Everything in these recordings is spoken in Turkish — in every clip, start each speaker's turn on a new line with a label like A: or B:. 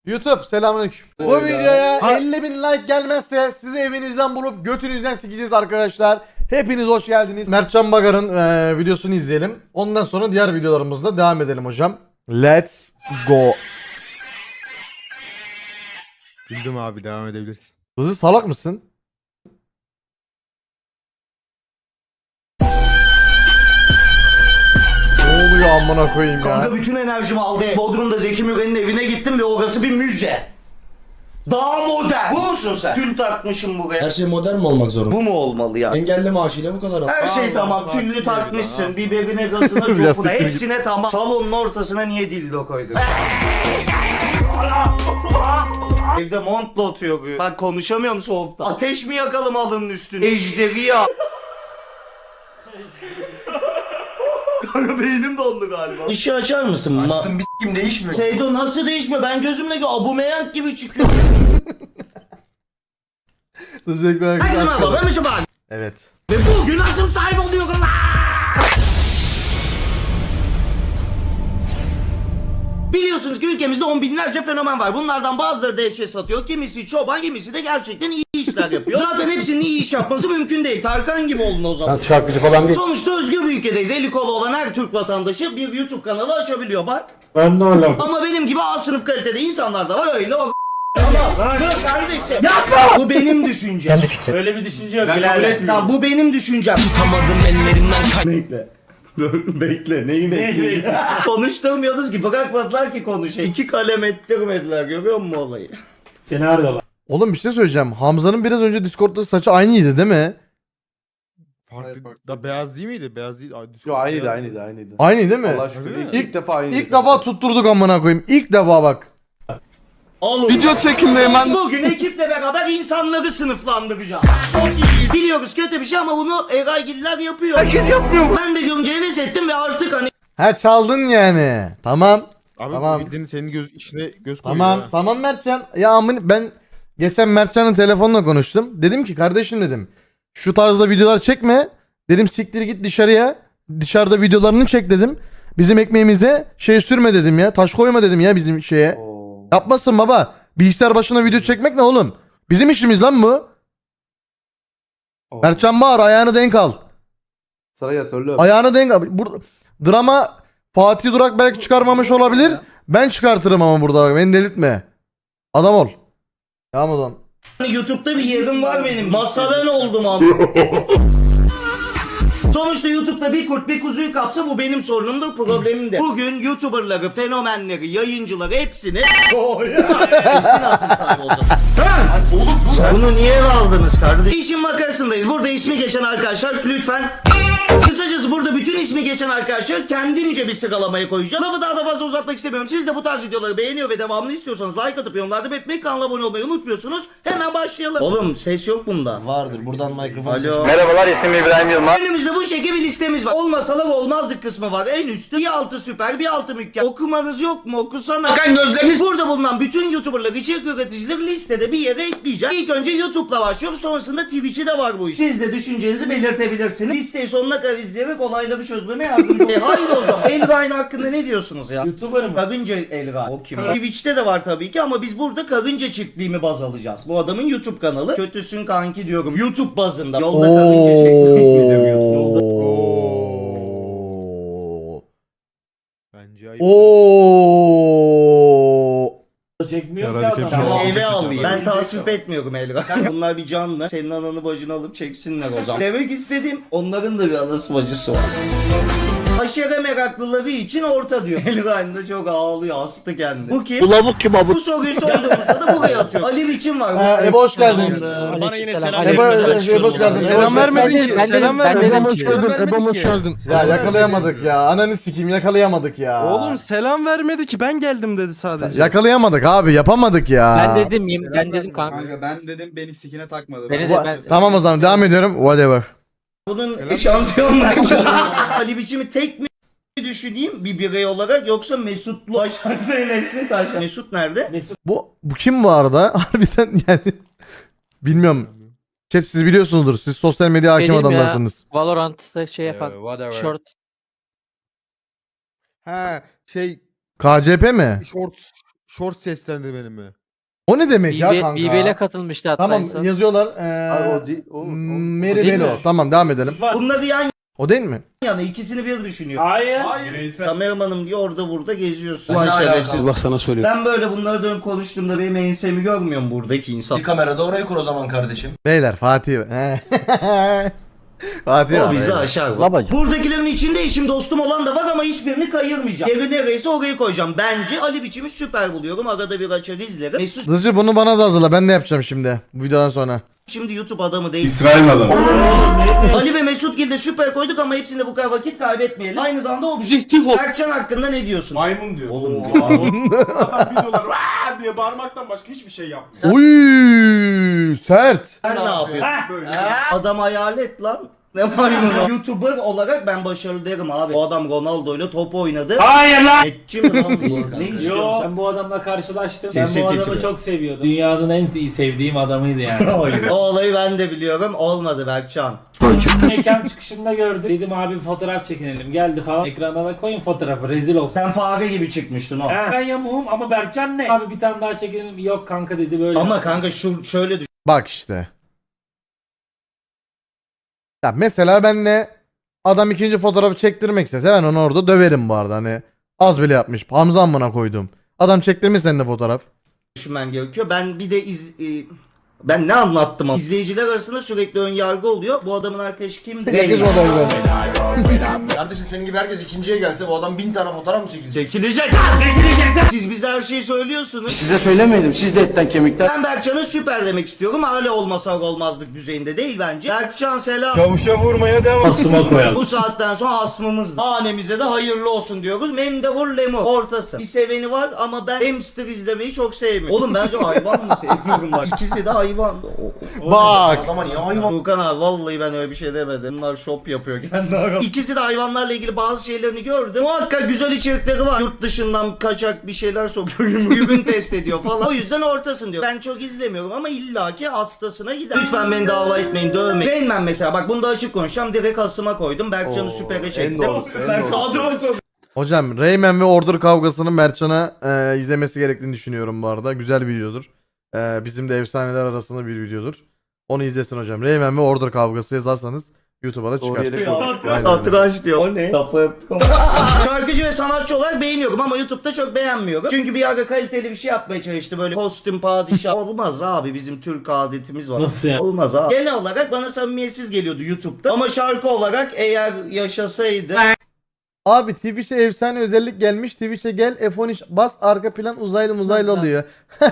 A: YouTube selamünaleyküm. Bu videoya 50.000 like gelmezse sizi evinizden bulup götünüzden sikeceğiz arkadaşlar. Hepiniz hoş geldiniz. Mertcan Bagar'ın videosunu izleyelim. Ondan sonra diğer videolarımızda devam edelim hocam. Let's go.
B: Bildim abi, devam edebilirsin.
A: Hızlı salak mısın? Ne oluyor amına koyayım ya?
C: Kanka bütün enerjimi aldı. Bodrum'da Zeki Müren'in evine gittim ve orası bir müze. Daha modern. Bu musun sen? Tül takmışım buraya.
D: Her şey modern mi olmak zorunda?
C: Bu mu olmalı ya?
D: Engelli maaşıyla bu kadar.
C: Her şey
B: Allah
C: tamam.
B: Allah,
C: Tüllü
B: kim
C: takmışsın.
B: bilir
C: Biberine, gazına,
A: Biraz
C: çopuna.
A: siktir git.
C: Hepsine tamam. Salonun ortasına niye dildo koydun? Evde montla oturuyor. Bak konuşamıyorum soğukta. Ateş mi yakalım alının üstüne? Ejderi ya. Kanka beynim dondu galiba. İşi açar mısın?
D: Açtım bir s**kim değişmiyor.
C: Seydo nasıl değişme? Ben gözümle Aubameyang gibi çıkıyor.
A: Teşekkür ederim.
C: Herkese merhaba, ben Mesut Bak.
A: Evet.
C: Ve bugün asım sahibi oluyorum. Biliyorsunuz ki ülkemizde on binlerce fenomen var. Bunlardan bazıları da eşya satıyor. Kimisi çoban, kimisi de gerçekten iyi işler yapıyor. Zaten hepsinin iyi iş yapması mümkün değil. Tarkan gibi olun o zaman.
D: Şarkıcı falan değil.
C: Sonuçta özgür bir ülkedeyiz. Eli kolu olan her Türk vatandaşı bir YouTube kanalı açabiliyor bak.
D: Ben de öyle.
C: Ama benim gibi A sınıf kalitede insanlar da var öyle o. Ama dur kardeşim. Yapma! Bu benim düşüncem.
E: Öyle bir düşünce yok.
C: Tamam bu benim düşüncem. Tutamadım ellerimden Bekle. Dur bekle neyi bekleyeceğim? Konuşturmuyoruz ki bırakmadılar ki konuşayım. 2 kalem ettirmediler görüyor musun olayı?
E: Seni arıyorlar.
A: Oğlum bir şey söyleyeceğim. Hamza'nın biraz önce Discord'da saçı aynıydı değil mi?
B: Farklı da beyaz değil miydi? Beyaz değil.
F: Yo aynıydı.
A: Aynı değil mi?
F: Allah şükür.
B: Öyle mi?
F: İlk defa aynıydı.
A: İlk defa tutturduk amına koyayım. İlk defa bak.
C: Oğlum.
F: Video çekimdeyim ben.
C: Bugün ekiple beraber insanları sınıflandıracağız. Çok iyiyiz. Biliyoruz kötü bir şey ama bunu Eraygiller yapıyor. Herkes yapmıyor. Ben de görünce heves ettim ve artık hani
A: Ha çaldın yani. Tamam.
B: Abi
A: Tamam.
B: bildiğin senin içine göz koyuyor.
A: Tamam.
B: ha.
A: Tamam Mertcan. Ya ben geçen Mertcan'ın telefonla konuştum. Dedim ki kardeşim dedim. Şu tarzda videolar çekme. Dedim siktir git dışarıya. Dışarıda videolarını çek dedim. Bizim ekmeğimize şey sürme dedim ya. Taş koyma dedim ya bizim şeye.
F: Oo.
A: Yapmasın baba. Bilgisayar başına video çekmek ne oğlum? Bizim işimiz lan bu.
F: Oo.
A: Mertcan bağır ayağını denk al.
F: Sıraya söyle.
A: Ayağını denk al. Burada drama Fatih Durak belki çıkarmamış olabilir. Ben çıkartırım ama burada bak. Beni delirtme. Adam ol. Tamam o zaman.
C: YouTube'da bir yerim var benim. Masaven oldum abi. Sonuçta YouTube'da bir kurt bir kuzuyu kapsa bu benim sorunumdur, problemim de. Bugün YouTuber'ları, fenomenleri, yayıncıları hepsini kesin asıl sahibi olacağız. Bunu niye eve aldınız kardeşim? İşin makarasındayız. Burada ismi geçen arkadaşlar lütfen. Kısacası burada bütün ismi geçen arkadaşlar kendimce bir sıralamaya koyacağım. Lafı daha da fazla uzatmak istemiyorum. Siz de bu tarz videoları beğeniyor ve devamını istiyorsanız like atıp yorumlarda belirtmeyi, kanala abone olmayı unutmuyorsunuz. Hemen başlayalım. Oğlum ses yok bunda.
D: Vardır buradan mikrofon
C: Alo. Önümüzde bu şekilde bir listemiz var. Olmasalar olmazdık kısmı var. En üstte bir altı süper, bir altı mükemmel. Okumanız yok mu? Okusana.
D: Bakın gözleriniz.
C: Burada bulunan bütün YouTuber'ları, içerik üreticileri listede bir yere ekleyeceğim. İlk önce YouTube'la başlıyoruz. Sonrasında Twitch'i de var bu iş. Siz de düşüncenizi belirtebilirsiniz. Listeyi sonuna kadar izleyerek olayları çözmeme yardımcı olun. Haydi o zaman. Elgain hakkında ne diyorsunuz ya?
E: YouTuber mı?
C: Karınca Elgain. O kim? Twitch'te de var tabii ki ama biz burada karınca çiftliğimi baz alacağız. Bu adamın YouTube kanalı. Kötüsün kanki diyorum. YouTube bazında. Yolda karınca çiftliği demiyorsun. Yolda.
A: Oo.
B: Bence ayıp.
A: Oo.
E: Çekmiyor ki
B: Herhalde
E: adam.
B: kepçe
C: Tamam
B: Tamam.
C: eve alayım. Ben
E: Öyle
C: tasvip
E: bir
C: etmiyorum Elgain. Bunlar bir canlı. Senin ananı bacını alıp çeksinler o zaman. Demek istediğim onların da bir anası bacısı var. Aşere meraklıları için orta diyor. Elgain de çok ağlıyor, hastı kendini. Bu kim?
D: Bu lavuk kim abi?
C: Bu soruyu sorduğumuzda da buraya atıyor. Ali biçim var.
A: Ebo hoş geldin.
D: Bana yine selam
A: Ebo hoş geldin.
B: Selam vermedin ki. Selam vermedin.
A: hoş geldin. Ebo hoş geldin. Ya yakalayamadık ya. Ananı sikeyim yakalayamadık ya.
G: Oğlum selam vermedi ki ben geldim dedi sadece.
A: Yakalayamadık abi yapamadık ya.
H: Ben dedim ben dedim kanka.
F: Kanka ben dedim beni sikine takmadı.
H: Beni de ben
A: Tamam o zaman devam ediyorum. Whatever.
C: Bunun şampiyonlar. Ali biçimi tek mi düşüneyim bir birey olarak yoksa Mesutlu Başak ve Nesli Taş. Mesut nerede?
A: Bu kim bu arada? Harbiden yani. Bilmiyorum. Chat siz biliyorsunuzdur. Siz sosyal medya hakim
H: Benim ya.
A: adamlarsınız.
H: Valorant'ta şey yapan short
B: Ha şey
A: KCP mi?
B: short seslendirmeni mi?
A: O ne demek ya kanka?
H: BB'le katılmıştı hatta
A: Tamam
H: insan.
A: yazıyorlar.
F: Abi o değil.
A: Mary
H: değil
A: Belo.
H: mi?
A: Tamam devam edelim.
E: Var.
C: Bunları yan
A: O değil mi?
C: yana ikisini bir düşünüyor.
E: Hayır.
C: Kameramanım diye orada burada geziyorsun. Ulan şerefsiz.
D: Allah sana söylüyor.
C: Ben böyle bunları dönüp konuştuğumda benim ensemi görmüyor mu buradaki insan?
D: Bir kamerada orayı kur o zaman kardeşim.
A: Beyler Fatih. Fatih
C: O
A: abi.
C: bizi aşar.
H: Babacım.
C: Buradakilerin içinde eşim dostum olan da var ama hiçbirini kayırmayacağım. Yeri nereyse orayı koyacağım. Bence Ali biçimi süper buluyorum. Arada bir açar izlerim. Mesut
A: Dızcı bunu bana da hazırla. Ben de yapacağım şimdi. Bu videodan sonra.
C: şimdi YouTube adamı değil.
F: İsrail adamı.
C: Ali ve Mesut Gil'de süper koyduk ama hepsinde bu kadar vakit kaybetmeyelim. Aynı zamanda objektif ol. Berkcan hakkında ne diyorsun?
F: Maymun diyor.
C: Oğlum
F: Adam videolar "Vaa!" diye bağırmaktan başka hiçbir şey yapmıyor.
A: Uy sert.
C: sen ne yapıyorsun?
F: Böyle.
C: Adam hayalet lan. Ne maymunu? YouTuber olarak ben başarılı derim abi. O adam Ronaldo'yla top oynadı.
E: Hayır lan.
C: Etçi mi lan bu? Ne
E: Yo,
C: istiyorsun?
E: ben bu adamla karşılaştım.
C: Sesi
E: Ben bu adamı
C: titriyor.
E: çok seviyordum. Dünyanın en sevdiğim adamıydı yani.
C: O olayı ben de biliyorum. Olmadı Berkcan.
E: Mekan çıkışında gördüm. Dedim abi bir fotoğraf çekinelim. Geldi falan. Ekrana da koyun fotoğrafı. Rezil olsun.
C: Sen fare gibi çıkmıştın o.
E: Ben yamuğum ama Berkcan ne? Abi bir tane daha çekelim. Yok kanka dedi böyle.
C: Ama kanka şöyle düşün.
A: Bak işte. Ya mesela ben de adam ikinci fotoğrafı çektirmek istese ben onu orada döverim bu arada. Hani az bile yapmış. Hamza amına koydum. Adam çektirmiş seninle fotoğraf.
C: Düşünmen gerekiyor. Ben bir de ben ne anlattım ama. İzleyiciler arasında sürekli ön yargı oluyor. Bu adamın arkadaşı kimdi?
D: Kardeşim senin gibi herkes ikinciye gelse bu adam 1000 tane fotoğraf mı çekilecek?
C: Çekilecek. Siz bize her şeyi söylüyorsunuz.
D: Size söylemeyelim siz de etten kemikten.
C: Ben Berkcan'a süper demek istiyorum. Hala olmasa olmazlık düzeyinde değil bence. Berkcan selam.
F: Çavuşa vurmaya devam.
E: Asıma koyalım.
C: Bu saatten sonra hasmımız. Hanemize de hayırlı olsun diyoruz. Mendevur lemur. Ortası. Bir seveni var ama ben hamster izlemeyi çok sevmiyorum. Oğlum bence hayvan mı sevmiyorum bak. İkisi de hayvan.
A: Bak.
D: Adama niye hayvan?
C: Furkan abi vallahi ben öyle bir şey demedim. Bunlar şop yapıyor kendi aramda. İkisi de hayvanlarla ilgili bazı şeylerini gördüm. Muhakkak güzel içerikleri var. Yurt dışından kaçak bir şeyler sokuyor. Ürün test ediyor falan. O yüzden ortasın diyor. Ben çok izlemiyorum ama illaki hastasına gider. Lütfen beni dava etmeyin, dövmeyin. Rain Man mesela bak bunu da açık konuşacağım. Direkt hasıma koydum. Berkcan'ı süpere çektim. Ben kadro
A: Hocam Rayman ve Order kavgasını Mertcan'a izlemesi gerektiğini düşünüyorum bu arada. Güzel bir videodur. Bizim de efsaneler arasında bir videodur. Onu izlesin hocam. Rayman ve Order kavgası yazarsanız YouTube'a da çıkar. Aynen.
C: Satranç diyor. O ne? Şarkıcı ve sanatçı olarak beğeniyorum ama YouTube'da çok beğenmiyorum. Çünkü bir ara kaliteli bir şey yapmaya çalıştı böyle kostüm padişah. Olmaz abi bizim Türk adetimiz var.
E: Nasıl ya?
C: Olmaz abi. Genel olarak bana samimiyetsiz geliyordu YouTube'da. Ama şarkı olarak eğer yaşasaydı.
A: Abi Twitch'e efsane özellik gelmiş. Twitch'e gel F13 bas arka plan uzaylı oluyor.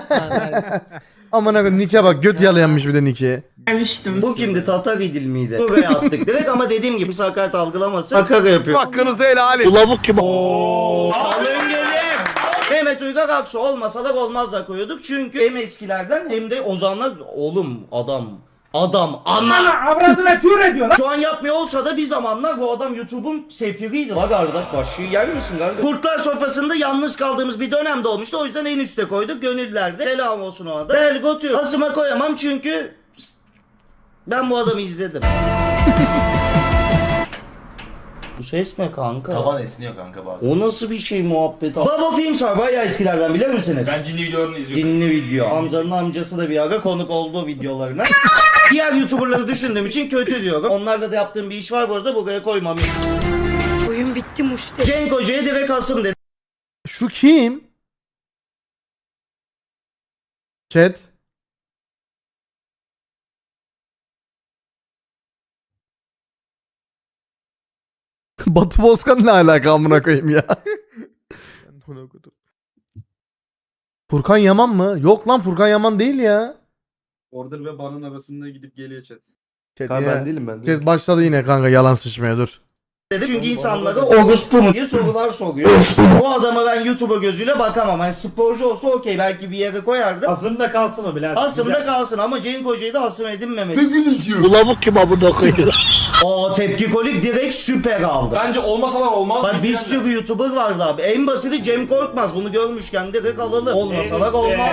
A: Aman akım Nick'e bak göt yalayanmış bir de Nick'i.
C: Bu kimdi? Tatar İdil miydi? Buraya attık direkt ama dediğim gibi sakarat algılaması makara yapıyor.
A: Hakkınızı helal et.
D: Lavuk gibi.
C: Alın gelin. Mehmet Uygar Aksu olmasalar olmazlar koyuyorduk. Çünkü hem eskilerden hem de ozanlar oğlum adam ana.
E: Avradına tür ediyor lan.
C: Şu an yapmıyor olsa da bir zamanlar bu adam YouTube'un sefiriydi. La kardeş başlığı yer misin kardeş? Kurtlar sofrasında yalnız kaldığımız bir dönemde olmuştu. O yüzden en üste koyduk. Gönüllerde selam olsun ona da. Bel götür. Asıma koyamam çünkü ben bu adamı izledim. Bu ses ne kanka?
D: Taban esniyor kanka bazen.
C: O nasıl bir şey muhabbet? Baba Films var bayağı eskilerden bilir misiniz?
F: Ben cinli videolarını izliyorum.
C: Dinli video. Hamza'nın amcası da bir ara konuk oldu videolarına. Diğer YouTuber'ları düşündüğüm için kötü diyorum. Onlarla da yaptığım bir iş var bu arada buraya koymam.
I: Oyun bitti muşte.
C: Cenk Hoca'ya direkt asım dedi.
A: Şu kim? Chat. Batı Bozkan ne alaka amına koyayım ya? Furkan Yaman mı? Yok lan Furkan Yaman değil ya.
F: Order ve Ban'ın arasında gidip geliyor chat.
A: Chat,
F: Ben
A: yine-
F: değilim ben.
A: Chat başladı yine kanka yalan sıçmaya dur.
C: Çünkü insanlara orospu mu diye sorular soruyor. Bu adama ben YouTuber gözüyle bakamam. Hani sporcu olsa okey belki bir yere koyardım.
E: Asımda kalsın o birader.
C: Asımda kalsın ama Cenk Hoca'yı da asım edinmemeli.
D: Bu lavuk gibi abone koyuyor.
C: O tepki kolik direkt süper aldı.
F: Bence olmasalar olmaz.
C: Bak bir sürü YouTuber vardı abi. En basiti Cem Korkmaz. Bunu görmüşken direkt alalım. Olmasalar olmaz.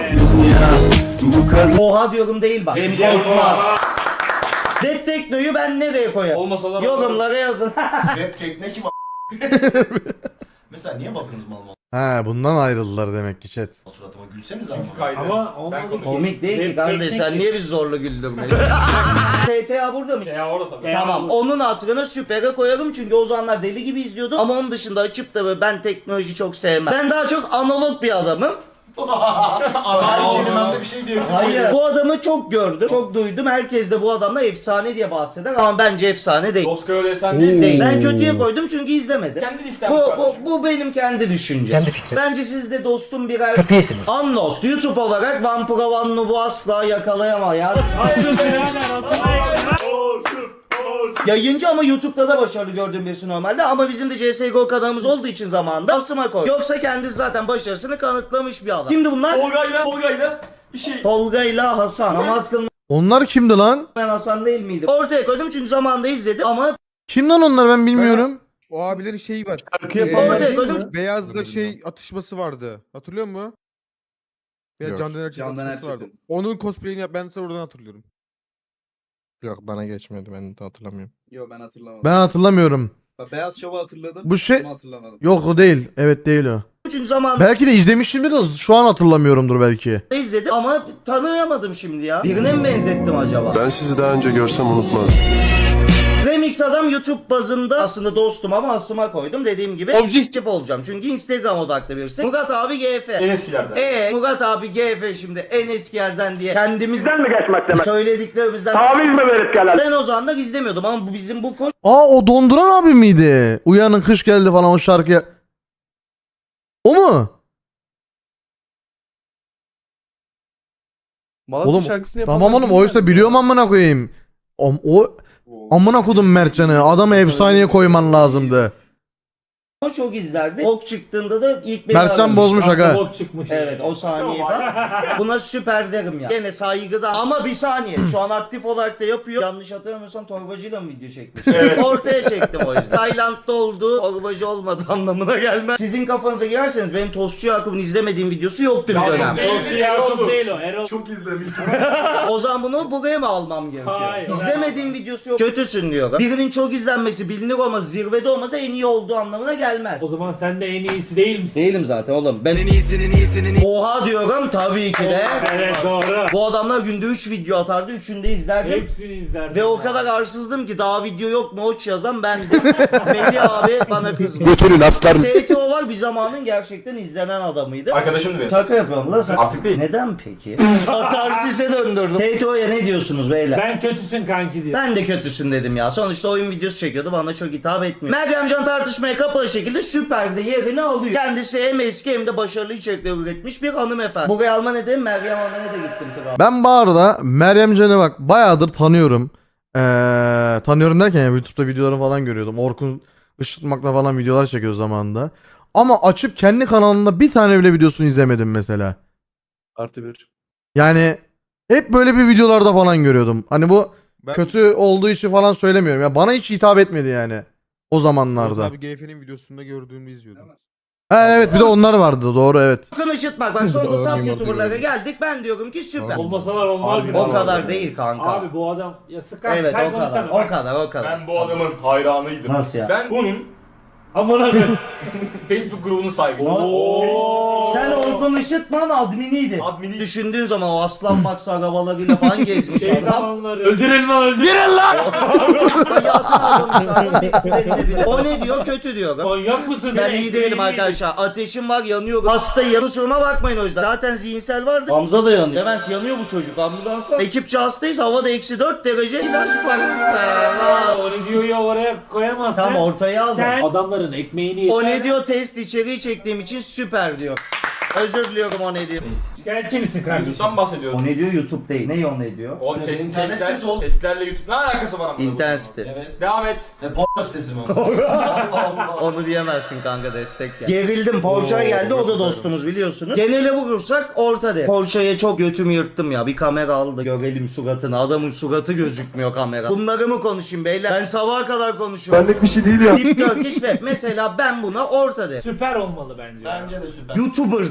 C: Oha diyorum değil bak. Cem Korkmaz. Rap Tekno'yu ben nereye koyarım?
F: Olmasalar
C: Yorumlara yazın.
D: Rap tekne kim Mesela niye bakıyorsunuz mal mal?
A: He bundan ayrıldılar demek ki chat.
D: Suratıma gülseniz ama.
E: Ama olmadı ki.
C: Komik değil ki
E: Hep
C: kardeş,
E: teknik
C: sen
E: ki.
C: niye bizi zorla güldürmüyorsun? TTA burada mı?
F: Ya orada tabii.
C: Tamam, onun hatırına süpere koyarım çünkü o zamanlar deli gibi izliyordum. Ama onun dışında açıp da böyle ben teknoloji çok sevmem. Ben daha çok analog bir adamım.
D: Her kelimende bir şey diyorsun.
C: Hayır. Bu adamı çok gördüm, çok duydum. Herkes de bu adamla efsane diye bahseder ama bence efsane değil.
F: Oscar öyle sen değil.
C: Değil. Ben kötüye koydum çünkü izlemedim.
F: Kendin isten
C: Bu benim kendi düşüncem. Kendi fikrim. Bence siz de dostum birer köpeğisiniz. Unlost YouTube olarak Vampira One Noob'u asla yakalayamaz. Yayıncı ama YouTube'da da başarılı gördüğüm birisi normalde ama bizim de CSGO kanalımız olduğu için zamanında asıma koy. Yoksa kendisi zaten başarısını kanıtlamış bir adam. Kimdi bunlar?
F: Tolga'yla bir şey.
C: Tolga ile Hasan. Namaz kılmayan
A: Onlar kimdi lan?
C: Hasan değil miydi? Ortaya koydum çünkü zamanında izledim ama
A: Kim lan onlar ben bilmiyorum.
B: O abilerin şeyi var.
C: Ortaya koydum.
B: Beyaz'da şey atışması vardı. Hatırlıyor musun? Ya
J: Yok.
B: Candan Erçetin vardı. Onun cosplay'ini yap, ben oradan hatırlıyorum.
J: Yok bana geçmedi, ben de hatırlamıyorum.
K: Yo ben hatırlamadım.
A: Ben hatırlamıyorum.
K: Beyaz Şov'u hatırladım.
A: Bu şey
K: Ama hatırlamadım.
A: yok o değil. Evet değil o.
C: Çünkü zamanında
A: Belki de izlemişimdir de şu an hatırlamıyorumdur belki.
C: izledim ama tanıyamadım şimdi ya. Birine mi benzettim acaba?
J: Ben sizi daha önce görsem unutmaz.
C: Remix adam YouTube bazında aslında dostum ama asıma koydum. Dediğim gibi objektif olacağım. Çünkü Instagram odaklı birisi. Murat abi GF.
F: En eskilerden.
C: Murat abi GF şimdi en eski yerden diye kendimizden mi geçmek demek? Söylediklerimizden taviz mi verip gelen? Ben o zaman da izlemiyordum ama bizim bu koç
A: Aa o donduran abi miydi? Uyanın kış geldi falan o şarkıya. O mu?
G: Malatya
A: Oğlum,
G: şarkısını yapan
A: Tamam oğlum oysa biliyorum amına koyayım. O amına kodum Mertcan'ı. Adamı efsaneye koyman lazımdı.
C: çok izlerdi. Ok çıktığında da ilk beni
A: Mertcan
C: aramış.
A: bozmuş aga.
E: Bok çıkmış.
C: Evet o saniye falan. Buna süper derim ya. Gene saygıda ama bir saniye. Şu an aktif olarak da yapıyor. Yanlış hatırlamıyorsam torbacıyla mı video çekmiş? Ortaya çektim o yüzden. Tayland'da olduğu torbacı olmadı anlamına gelmez. Sizin kafanıza girerseniz benim Tostçu Yakup'un izlemediğim videosu yoktu bir dönem.
E: Dostu Yakup değil o. Erol.
F: Çok izlemişsin.
C: O zaman bunu buraya mı almam gerekiyor?
E: Hayır.
C: İzlemediğim videosu yok. Kötüsün diyor. Birinin çok izlenmesi bilinir olması zirvede olmasa en iyi olduğu anlamına gelmez.
E: O zaman sen de en iyisi değil misin?
C: Değilim zaten oğlum. Ben Oha diyorum tabii ki de.
E: Evet doğru.
C: Bu adamlar günde 3 video atardı. 3'ünü de izlerdim.
E: Hepsini izlerdim.
C: Ve o kadar arsızdım ki daha video yok mu oç yazan bendim. Melih abi bana kızdı.
J: Götürün aslar.
C: TTO var bir zamanın gerçekten izlenen adamıydı.
F: Arkadaşımdı benim.
C: Şaka yapıyorum lan sen.
F: Artık değil.
C: Neden peki? Atarsis'e döndürdüm. TTO'ya ne diyorsunuz beyler?
E: Ben kötüsün kanki diyor.
C: Ben de kötüsün dedim ya. Sonuçta oyun videosu çekiyordu. Bana çok hitap etmiyor. Meryemcan tartışmaya kapalı şekilde Süper'de yerini alıyor. Kendisi hem eski hem de başarılı içerikler üretmiş bir hanımefendi. Buraya alma ne dedim? Meryem Hanım'a da gittim.
A: Ben bu arada Meryem Can'ı bak bayağıdır tanıyorum. Tanıyorum derken ya YouTube'da videoları falan görüyordum. Orkun Işıtmak'la falan videolar çekiyor zamanında. Ama açıp kendi kanalında bir tane bile videosunu izlemedim mesela.
G: +1.
A: Yani hep böyle bir videolarda falan görüyordum. Hani bu
B: Ben
A: kötü olduğu için falan söylemiyorum. Ya bana hiç hitap etmedi yani o
B: Murat
A: zamanlarda.
B: abi GF'nin videosunda gördüğümü izliyordum.
A: Ha evet bir de onlar vardı doğru evet.
C: Bakın Işıtmak bak sonra top YouTuber'lara geldik. Ben diyorum ki süper.
E: Olmasalar olmaz.
C: O kadar değil kanka.
E: Abi bu adam ya sıkar
C: Evet
E: sen
C: o kadar.
E: konuşsana.
C: O kadar o kadar.
F: Ben bu adamın hayranıydım.
C: Nasıl ya?
F: Ben bunun
E: Amına koyayım.
F: Facebook grubunun sahibi.
C: Sen Orkun Işıtman adminiydi.
F: Admini.
C: Düşündüğün zaman o aslan baksa arabalarıyla falan gezmiş
E: Şey
C: adam.
E: zamanları. Öldürelim lan öldürelim.
C: O ne diyor? Kötü diyor.
E: Manyak mısın?
C: Ben iyi değilim arkadaşlar. Ateşim var, yanıyorum. Hastayım. Kusuruma bakmayın o yüzden. Zaten zihinsel vardı. Hamza da yanıyor. Levent yanıyor bu çocuk. Ambulansa. Ekipçe hastayız. Havada -4 derece. İlaç parası.
E: O ne diyor ya oraya koyamazsın.
C: Tam ortaya aldım.
E: Sen adamların ekmeğini
C: O ne diyor? Test içeriği çektiğim için süper diyor. Özür diliyorum o ne diyor.
E: Şikayetçi misin kardeşim?
F: YouTube'dan bahsediyorum.
C: O ne diyor? YouTube değil. Ne o ne diyor?
F: O
D: internet sitesi oğlum.
F: testlerle YouTube ne alakası var ama?
C: İnternet site.
D: Evet.
F: Devam et.
D: Porno sitesi mi? Allah Allah.
C: Onu diyemezsin kanka destek ya. Gerildim Porsche geldi o da dostumuz biliyorsunuz. Genele vurursak orta de. Porsche'ye çok götümü yırttım ya. Bir kamera aldı görelim suratını. Adamın suratı gözükmüyor kamera. Bunları mı konuşayım beyler? Ben sabaha kadar konuşuyorum.
J: Benlik bir şey değil ya.
C: Tip Turkish ve mesela ben buna orta de.
E: Süper olmalı bence.
D: Bence de süper.
C: YouTuber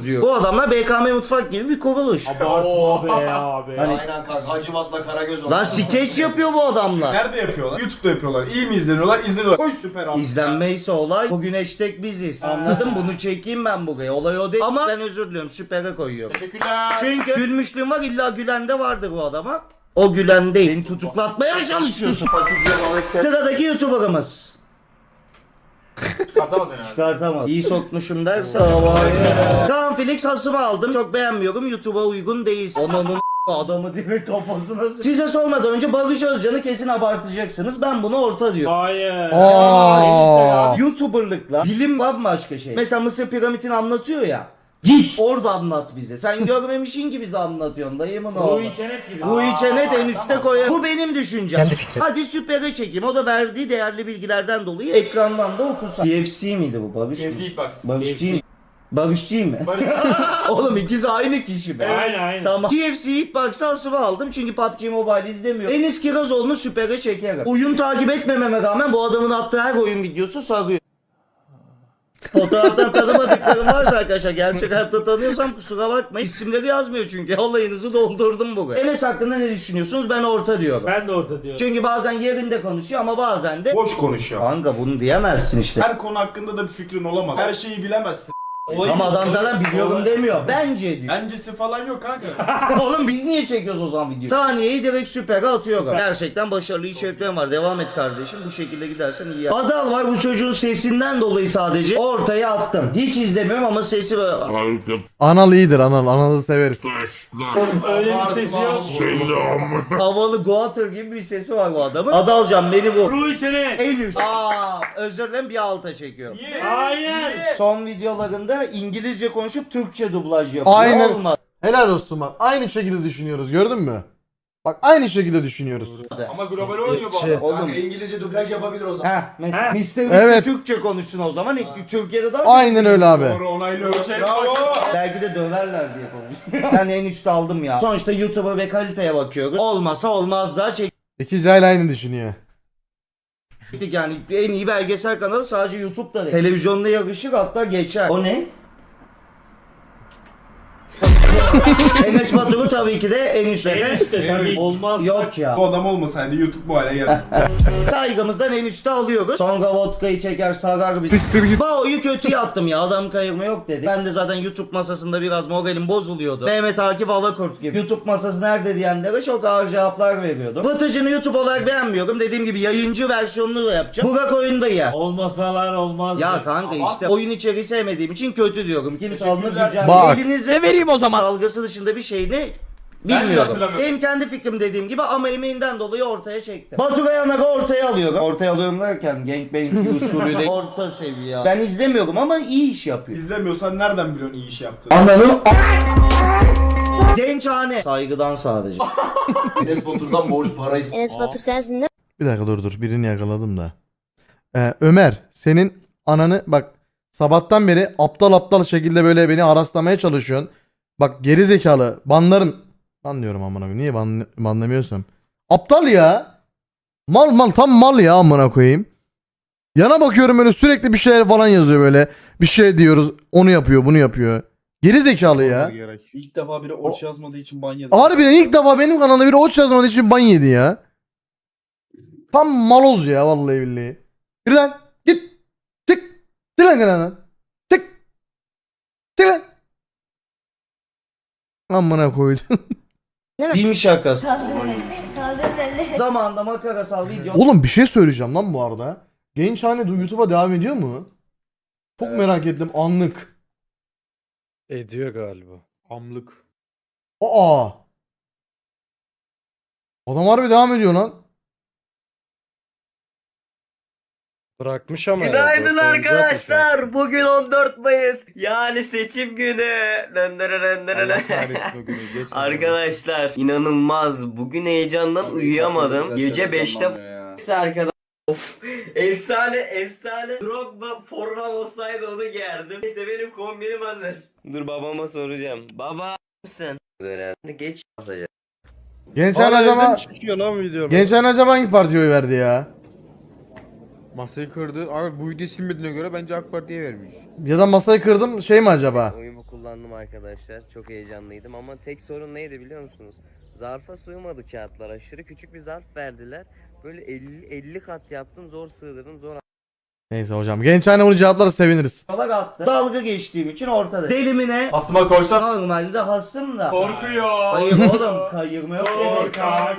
C: diyor. Bu adamlar BKM Mutfak gibi bir kuruluş.
E: Abartma be abi.
C: Hani-
D: Aynen kanka. Hacivat'la Karagöz oldu.
C: Lan skeç yapıyor bu adamlar.
F: Nerede yapıyorlar? YouTube'da yapıyorlar. İyi mi izleniyorlar? İzleniyorlar. Koy süper abi.
C: İzlenmeyse olay bugün hashtag biziz. Anladın? Bunu çekeyim ben buraya. Olay o değil. Ama ben özür diliyorum. Süpere koyuyorum.
F: Teşekkürler.
C: Çünkü gülmüşlüğüm var, illa gülen de vardır bu adama. O gülen değil. Beni tutuklatmaya mı çalışıyorsun? Sıradaki YouTuber'ımız.
F: Çıkartamadın herhalde.
C: Çıkartamam. İyi sokmuşum derse. Kaan Felix hasımı aldım. Çok beğenmiyorum. YouTube'a uygun değil. Onun adamı direkt kafasına Size sormadan önce Barış Özcan'ı kesin abartacaksınız. Ben bunu orta diyorum.
E: Hayır.
A: Aa.
C: YouTuber'lıkla bilim bambaşka şey. Mesela Mısır piramitini anlatıyor ya. Git orada anlat bize. Sen görmemişsin ki bize anlatıyorsun dayımın oğlu.
E: Bu içenet gibi.
C: Bu içenet en üstte koyar. Bu benim düşüncem. Hadi süpere çekeyim. O da verdiği değerli bilgilerden dolayı ekrandan da okusan. TFC miydi bu Barış mı?
F: FC Hitbox.
C: Barışçıyım. Barışçıyım mı? Oğlum ikisi aynı kişi mi?
E: Aynen.
C: Tamam. TFC Hitbox'ı asıma aldım çünkü PUBG Mobile izlemiyorum. Enis Kirazoğlu'nu süpere çekerim. Oyun takip etmememe rağmen bu adamın attığı her oyun videosu sarıyor. Fotoğraftan tanımadıklarım varsa arkadaşlar gerçek hayatta tanıyorsam kusura bakmayın. İsimleri yazmıyor çünkü. Olayınızı doldurdum buraya. Enes hakkında ne düşünüyorsunuz? Ben orta diyorum.
E: Ben de orta diyorum.
C: Çünkü bazen yerinde konuşuyor ama bazen de
F: Boş konuşuyor.
C: kanka bunu diyemezsin işte.
F: Her konu hakkında da bir fikrin olamaz. Her şeyi bilemezsin.
C: Ama adam zaten biliyorum demiyor. Bence diyor.
F: Bencesi falan yok kanka.
C: Oğlum biz niye çekiyoruz o zaman videoyu? Saniyeyi direkt süpere atıyorum. Gerçekten başarılı içeriklerim var. Devam et kardeşim. Bu şekilde gidersen iyi. Adal var, bu çocuğun sesinden dolayı sadece ortaya attım. Hiç izlemiyorum ama sesi böyle...
A: Anal iyidir anal. Analı severiz.
E: Öyle bir sesi yok.
C: Havalı Goater gibi bir sesi var bu adamın. Adalcan beni bu.
E: Bu içenet.
C: En üst. Özür dilerim bir alta çekiyorum.
E: Hayır.
C: Son videolarında İngilizce konuşup Türkçe dublaj yapıyor.
A: Aynen.
C: Olmaz.
A: Helal olsun bak. Aynı şekilde düşünüyoruz gördün mü? Bak aynı şekilde düşünüyoruz.
F: Ama global oynuyor bu adam.
C: Oğlum.
D: Kanka İngilizce dublaj yapabilir o zaman.
C: Mesela Mr.
A: Evet.
C: Türkçe konuşsun o zaman. Türkiye'de daha
A: Aynen öyle abi.
F: Doğru onaylıyorum. Bravo.
C: Belki de döverler diye konuşuyor. Ben en üstte aldım ya. Sonuçta YouTube'a ve kaliteye bakıyoruz. Olmasa olmaz daha
A: İki cahil aynı düşünüyor.
C: çektik yani. En iyi belgesel kanalı sadece YouTube'da değil. Televizyonda yarışır hatta geçer. O ne? Enes Batur'u tabii ki de en üstte.
E: En üstte tabii. Olmaz.
C: Yok ya.
F: Bu adam olmasaydı YouTube bu hale geldi.
C: Saygımızdan en üstte alıyoruz. Sonra vodkayı çeker sarar bizi. Bao'yu kötüye attım ya. Adam kayırma yok dedi. Ben de zaten YouTube masasında biraz moralim bozuluyordu. Mehmet Akif Alakurt gibi. YouTube masası nerede diyenlere çok ağır cevaplar veriyordum. Batıcı'nı YouTube olarak beğenmiyorum. Dediğim gibi yayıncı versiyonunu da yapacağım. Burak oyunda ya.
E: Olmasalar olmaz.
C: Ya kanka işte oyun içeriği sevmediğim için kötü diyorum. Kimse alınıp
F: Teşekkürler.
C: gücenmiyor.
A: Bak.
C: Elinize vereyim o zaman. Dalgası dışında bir şeyini
F: Ben de
C: bilmiyorum.
F: hatırlamıyorum.
C: Benim kendi fikrim dediğim gibi ama emeğinden dolayı ortaya çektim. Batu Kayanak'ı ortaya alıyorum. Ortaya alıyorum derken gangbang usulü de orta seviye. Ben izlemiyorum ama iyi iş yapıyor.
F: İzlemiyorsan nereden biliyorsun iyi iş yaptığını?
C: Ananı Gençhane. Saygıdan sadece.
D: Enes Batur'dan borç para istiyor.
I: Enes Batur sensin değil mi?
A: Bir dakika dur birini yakaladım da. Ömer senin ananı bak sabahtan beri aptal şekilde böyle beni araslamaya çalışıyorsun. Bak geri zekalı banlarım. Banlıyorum amına koyayım. Niye banlamıyorsam? Aptal ya. Mal tam mal ya amına koyayım. Yana bakıyorum böyle sürekli bir şeyler falan yazıyor böyle. Bir şey diyoruz. Onu yapıyor, bunu yapıyor. Geri zekalı ya.
K: İlk defa biri oç yazmadığı için ban yedi.
A: Harbiden ilk defa benim kanalda biri oç yazmadığı için ban yedi ya. Tam maloz ya vallahi billahi. Yürü lan git. Çık. Çık lan kanaldan. Çık. Çık lan. Amına koydum.
C: Film şakası. Zamanında makarasal video.
A: Oğlum bir şey söyleyeceğim lan bu arada. Gençhane YouTube'a devam ediyor mu? Çok merak ettim anlık.
G: Ediyor galiba.
B: Hamlık.
A: Aa. Adam harbi devam ediyor lan.
G: Bırakmış ama.
H: Günaydın arkadaşlar. Bugün 14 Mayıs. Yani seçim günü. Arkadaşlar inanılmaz. Bugün heyecandan uyuyamadım. Gece 5'te arkadaş. Of, efsane. Drogba forma olsaydı onu giyerdim. Neyse benim kombinim hazır. Dur babama soracağım. Baba mısın? Böyle geç basacak.
A: Gençhane acaba
G: çıkıyor lan video.
A: Gençhane acaba hangi partiye oy verdi ya?
B: Masayı kırdı. Abi bu videoyu silmediğine göre bence AK Parti'ye vermiş.
A: Ya da masayı kırdım şey mi acaba?
H: Oyumu kullandım arkadaşlar. Çok heyecanlıydım ama tek sorun neydi biliyor musunuz? Zarfa sığmadı kağıtlar. Aşırı küçük bir zarf verdiler. Böyle 50 kat yaptım. Zor sığdırdım. Zor
A: Neyse hocam. Gençhane bunu cevaplarsa seviniriz.
C: Yola attı. Dalga geçtiğim için ortada. Delimine
F: Asıma koysan
C: normalde hasım da.
F: korkuyor.
C: Hayır oğlum kayırma yok.
F: Korkak.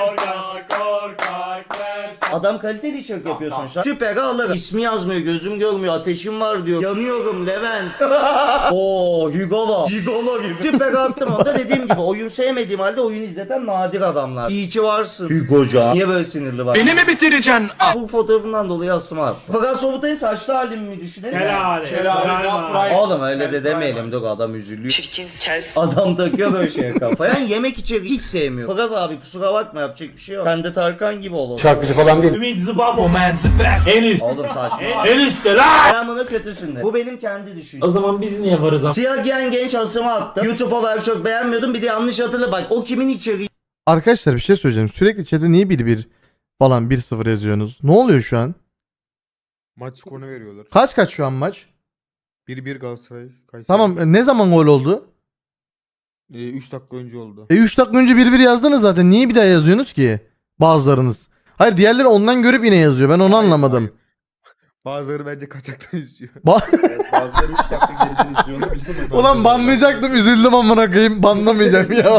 C: Adam kaliteli içerik yapıyor sonuçta. Süper alırım. İsmi yazmıyor, gözüm görmüyor, ateşim var diyor. Yanıyorum Levent. Oo, Hugolo. Gigolo gibi. Süper attım onu da dediğim gibi oyun sevmediğim halde oyun izleten nadir adamlar. İyi ki varsın. Hugoca. Niye böyle sinirli bak?
F: Beni mi bitireceksin?
C: Bu fotoğrafından dolayı asıma attım. Fakat Sobutay'ın saçlı halimi mi düşünelim?
E: Helal.
C: Oğlum öyle de demeyelim dur adam üzülüyor. Adam takıyor böyle şeye kafaya. Yani yemek içeri hiç sevmiyor. Fakat abi kusura bakma yapacak bir şey yok. Sen de Tarkan gibi ol.
G: Şarkıcı falan değil.
E: Ümit Zıbabo man the best. En üst.
C: Oğlum saçma.
E: En üstte lan.
C: Ayağımını kötüsün de. Bu benim kendi düşüncem.
E: O zaman biz niye varız ama?
C: Siyah giyen genç asıma attım. YouTube olarak çok beğenmiyordum. Bir de yanlış hatırla bak. O kimin içeriği?
A: Arkadaşlar bir şey söyleyeceğim. Sürekli chat'e niye 1-1 falan 1-0 yazıyorsunuz? Ne oluyor şu an?
B: Maç skorunu veriyorlar.
A: Kaç şu an maç?
B: 1-1 Galatasaray. Kayseri.
A: Tamam ne zaman gol oldu?
B: 3 dakika önce oldu.
A: 3 dakika önce 1-1 yazdınız zaten. Niye bir daha yazıyorsunuz ki? Bazılarınız. Hayır diğerleri ondan görüp yine yazıyor. Ben onu anlamadım.
B: Bazıları bence kaçaktan izliyor.
K: Bazıları 3 dakika geriden izliyor. Biz de
A: Ulan banlayacaktım üzüldüm amına koyayım. Banlamayacağım ya.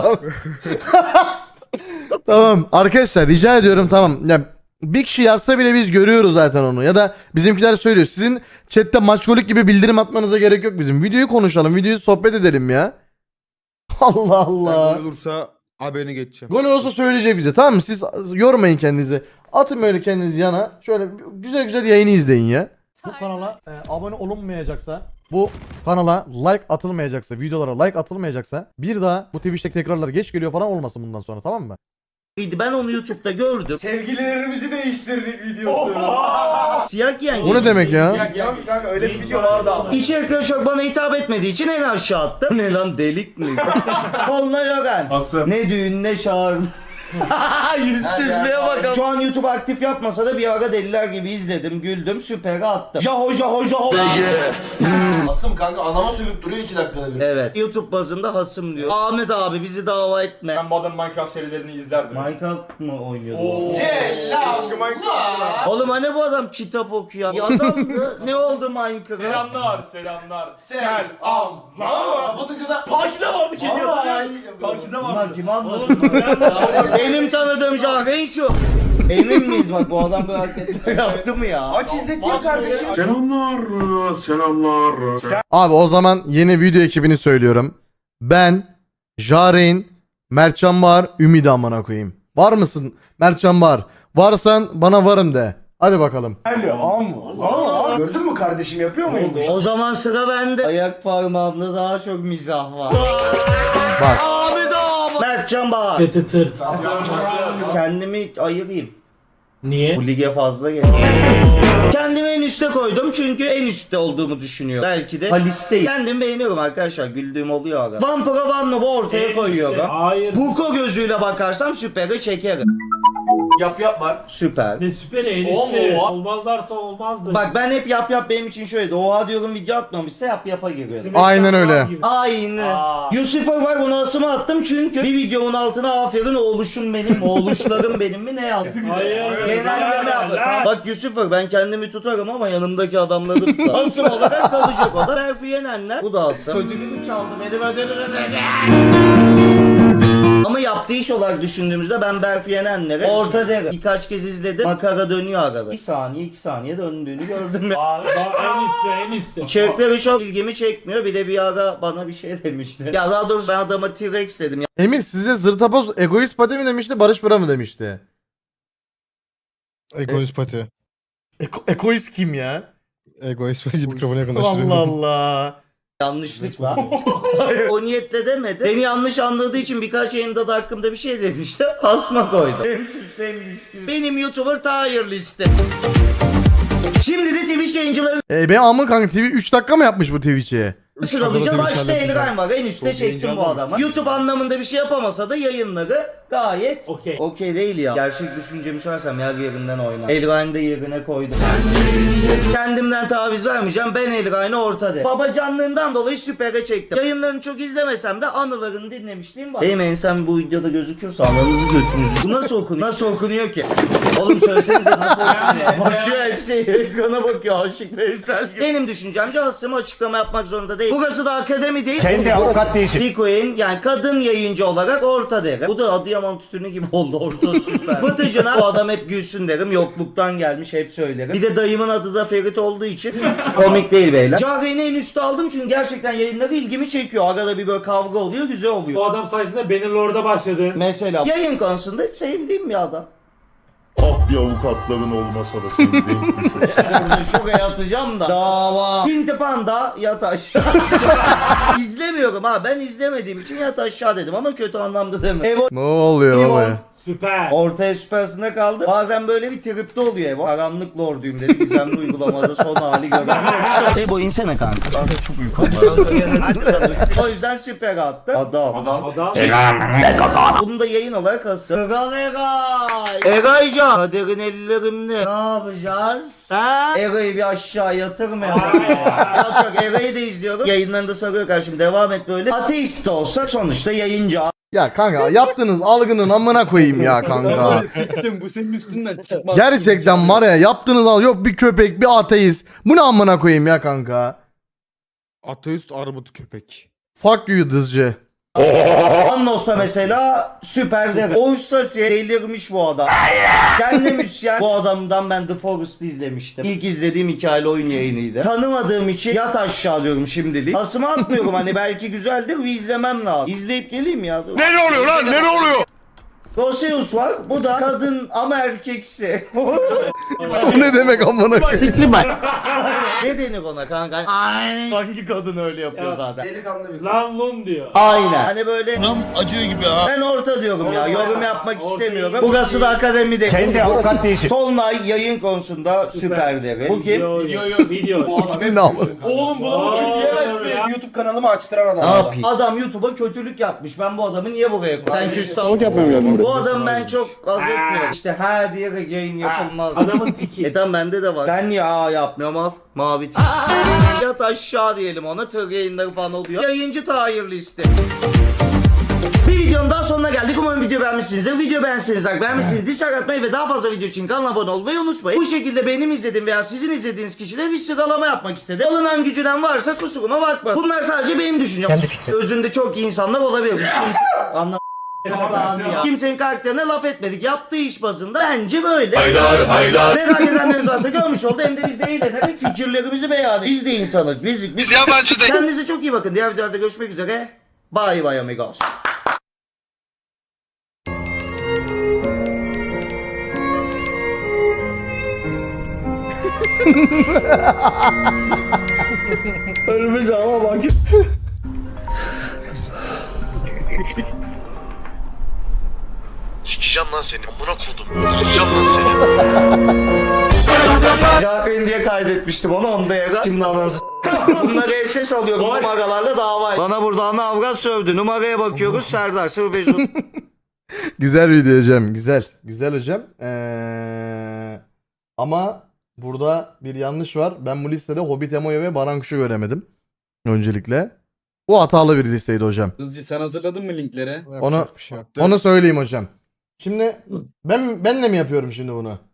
A: Tamam arkadaşlar rica ediyorum tamam. Ya bir kişi yazsa bile biz görüyoruz zaten onu. Ya da bizimkiler söylüyor. Sizin chatte maçkolik gibi bildirim atmanıza gerek yok bizim. Videoyu konuşalım. Videoyu sohbet edelim ya. Allah Allah.
B: Gol olursa haberini geçeceğim.
A: Gol olsa söyleyecek bize tamam mı? Siz yormayın kendinizi. Atın böyle kendinizi yana. Şöyle güzel güzel yayını izleyin ya. Bu kanala abone olunmayacaksa, bu kanala like atılmayacaksa, videolara like atılmayacaksa bir daha bu Twitch'te tekrarlar geç geliyor falan olmasın bundan sonra tamam mı?
C: Ben onu YouTube'da gördüm.
F: Sevgililerimizi değiştirdik videosu.
C: Siyah giyen
A: O ne demek ya?
F: Kanka öyle bir video vardı ama.
C: İçerikleri çok bana hitap etmediği için en aşağı attım. Ne lan delik mi? Onunla Yogan.
F: Asım.
C: Ne düğün ne çağırdı. Yüzsüzlüğe bakalım. Şu an YouTube aktif yapmasa da bir ara deliler gibi izledim, güldüm, süper attım. Jaho jaho jaho.
D: Asım kanka anama sövüp duruyor 2 dakikada bir.
C: Evet. YouTube bazında hasım diyor. Ahmet abi bizi dava etme.
F: Ben Modern Minecraft serilerini izlerdim.
C: Minecraft mı oynuyordu?
F: Selam. Eski Minecraft'çılar.
C: Oğlum hani bu adam kitap okuyan? Ya adamdı. Ne oldu Minecraft?
F: Selamlar. Selamlar.
D: Kapatınca da
F: Pakize vardı kedi Pakize
C: Bunlar kim anlatıyor? Benim tanıdığım Jahreyn şu. Emin miyiz bak bu adam böyle hareketler yaptı mı ya?
F: Aç izleteyim kardeşim.
A: Abi o zaman yeni video ekibini söylüyorum. Ben, Jahreyn, Mertcan var, Ümidi amına koyayım. Var mısın Mertcan var? Varsan bana varım de. Hadi bakalım.
F: Gördün mü kardeşim yapıyor muyum bu?
C: O zaman sıra bende. Ayak parmağımda daha çok mizah var.
A: Bak.
C: Abi da Mertcan Bahar.
E: Kötü tırt.
C: Kendimi ayırayım.
E: Niye?
C: Bu lige fazla geliyor. Kendimi en üste koydum çünkü en üstte olduğumu düşünüyorum. Belki de Halis'teyim. Kendimi beğeniyorum arkadaşlar. Güldüğüm oluyor ara. Vampira Vanlob'u ortaya koyuyorum.
E: Hayır.
C: Puko gözüyle bakarsam süperi çekerim.
F: Yap var.
C: Süper.
E: Ne süper en üstte. Olmazlarsa olmazdı.
C: Bak ben hep yap benim için şöyle. Oha diyorum video atmamışsa yapa giriyorum.
E: Smackdown
A: Aynen öyle.
E: gibi.
C: Aynı. Lucifer var bunu asıma attım çünkü bir videomun altına aferin oğluşum benim, oğluşlarım benim mi ne yazdım?
E: Hayır.
C: Genelleme yaptım. Bak Lucifer ben kendimi tutarım ama yanımdaki adamları tutar. Asım olarak kalacak o da. Berfi Yenenler. Bu da asım. Ödülümü çaldı benim ödülümü. Ama yaptığı iş olarak düşündüğümüzde ben Berfi Yenenler'e orta derim. Birkaç kez izledim. Makara dönüyor arada. 2 saniye döndüğünü gördüm ya.
E: En üstte.
C: İçerikleri çok ilgimi çekmiyor. Bir de bir ara bana bir şey demişti. Ya daha doğrusu ben adama T-Rex dedim.
A: Emir size zırtapoz egoist pati mi demişti Barış Bıra mı demişti?
J: Egoist pati.
A: Egoist kim ya?
J: Egoist pati mikrofona yakınlaştırıyor.
A: Allah Allah.
C: Yanlışlıkla. O niyetle demedi. Beni yanlış anladığı için birkaç yayında da hakkımda bir şey demişti. Asma koydum. Hem suçlu hem ilişkili. Benim YouTuber tier liste. Şimdi de Twitch yayıncıları
A: Ben amın kanka TV 3 dakika mı yapmış bu Twitch'i?
C: Sıralayacağım. Başta
B: halledeceğim.
C: Elgain var. En üstte
B: Çok
C: çektim
B: yayıncı
C: bu
B: adam.
C: adamı. YouTube anlamında bir şey yapamasa da yayınları gayet
E: Okey.
C: okey değil ya. Gerçek düşüncemi söylersem yer yerinden oynar. Elgain'i de yerine koydum. Kendimden taviz vermeyeceğim. Ben Elgain'i ortada. Babacanlığından dolayı süpere çektim. Yayınlarını çok izlemesem de anılarını dinlemişliğim var. Benim ensem bu videoda gözüküyorsa ananızı götünüzü. Bu nasıl okunuyor? Nasıl okunuyor ki? Oğlum söylesenize nasıl okunuyor? Bakıyor hepsi ekrana bakıyor. Aşık Veysel gibi. Benim düşüncemce aslında açıklama yapmak zorunda değil. Burası da akademi değil. Sen de avukat değilsin. Bikoin yani kadın yayıncı olarak orta derim. Bu da Adıyaman tütünü gibi oldu. Orta süper. Vıtıcına bu adam hep gülsün derim. Yokluktan gelmiş hep söylerim. Bir de dayımın adı da Ferit olduğu için komik değil beyler. Cahreyn'i en üstte aldım çünkü gerçekten yayınları ilgimi çekiyor. Arada bir böyle kavga oluyor, güzel oluyor.
E: Bu adam sayesinde Bannerlord'a başladın.
C: Mesela yayın konusunda sevdiğim bir adam.
K: Ah bir avukatların olmasa da seni denk düşür.
C: Şimdi şuraya atacağım da. Dava. Pinti Panda yat aşağı. İzlemiyorum ha. Ben izlemediğim için yat aşağı dedim ama kötü anlamda demedim. Evo
A: Ne oluyor baba ya?
E: Süper.
C: ortaya süpersinde kaldı. Bazen böyle bir tripte oluyor Evo. Karanlık lorduyum dedi. Gizemli uygulamada son hali gören. Evo insene kanka. Kanka çok uykum var. O yüzden süper attı. Adam.
E: Adam.
C: Bunu da yayın olarak asıl. Kral Egay. Egaycan. Kaderin ellerimde. Ne yapacağız? Ha? Egay'ı bir aşağı yatırmayalım. Yok yok Egay'ı da izliyorum. Yayınlarında sarıyor karşım. Devam et böyle. Ateist de olsak sonuçta yayıncı.
A: Ya kanka yaptığınız algının amına koyayım ya kanka.
K: Sıçtım bu senin üstünden çıkmaz.
A: Gerçekten var ya yaptığınız al yok bir köpek bir ateist. Bu ne amına koyayım ya kanka.
B: Ateist armut köpek.
A: Fuck you dızcı.
C: Annos'ta mesela süper derim. Oystasiye delirmiş bu adam. Kendi müzisyen. Bu adamdan ben The Forest'ı izlemiştim. İlk izlediğim hikayeli oyun yayınıydı. Tanımadığım için yat aşağı diyorum şimdilik. Asımı atmıyorum hani belki güzeldir bir izlemem lazım. İzleyip geleyim ya. Ne oluyor lan ne oluyor? Roseus var. Bu da kadın ama erkeksi.
A: Bu ne demek amına koyayım?
C: Ne denir ona kanka? Ay. Hangi kadın öyle yapıyor
E: Ya.
C: zaten?
D: Delikanlı bir
E: Lan lun diyor.
C: Aynen. Hani böyle acıyor gibi ha. Ben orta diyorum ya. Yorum yapmak istemiyorum. Burası da akademi değil. Sen de avukat değilsin. Tolunay yayın konusunda süper derim. Bu kim?
E: Video.
A: Ne ama?
F: Oğlum bunu kim diyemezsin. YouTube kanalımı açtıran adam.
C: Ne yapayım? Adam YouTube'a kötülük yapmış. Ben bu adamı niye buraya koydum? Sen küstah yapmıyorum. Bu adamı ben çok az etmiyorum. İşte ha diye yayın yapılmaz.
E: Adamın tiki.
C: Tamam bende de var. Ben ya yapmıyorum al. Mavi tik. Yat aşağı diyelim ona. Tır yayınları falan oluyor. Yayıncı Tahir listi. Bir videonun daha sonuna geldik. Umarım video beğenmişsinizdir. Video beğenmişsiniz, dislike atmayı ve daha fazla video için kanala abone olmayı unutmayın. Bu şekilde benim izlediğim veya sizin izlediğiniz kişilere bir sıralama yapmak istedim. Alınan gücünen varsa kusuruma bakma. Bunlar sadece benim düşüncem. Özünde çok iyi insanlar olabilir. Anlam. Kimsenin karakterine laf etmedik. Yaptığı iş bazında bence böyle. Merak edenleriniz varsa görmüş oldu. Hem de biz de eğlenerek fikirlerimizi beyan ediyoruz. Biz de insanız. Biz yabancı değil. Kendinize çok iyi bakın. Diğer videolarda görüşmek üzere. Bye bye amigos. Ölmüş ama bak.
D: Sikeceğim lan seni. Amına kodum. Öldüreceğim lan seni.
C: Cahreyn diye kaydetmiştim onu onda yaga. Şimdi ananızı bunları SS alıyorum numaralarla dava. Bana burada ana avrat sövdü. Numaraya bakıyoruz Serdar 05.
A: Güzel video hocam. Güzel. Güzel hocam. Ama burada bir yanlış var. Ben bu listede Hobbit Emo'yu ve Baran Kuş'u göremedim. Öncelikle. Bu hatalı bir listeydi hocam.
K: Hızcı sen hazırladın mı linkleri?
A: Onu söyleyeyim hocam. Şimdi ben de mi yapıyorum şimdi bunu?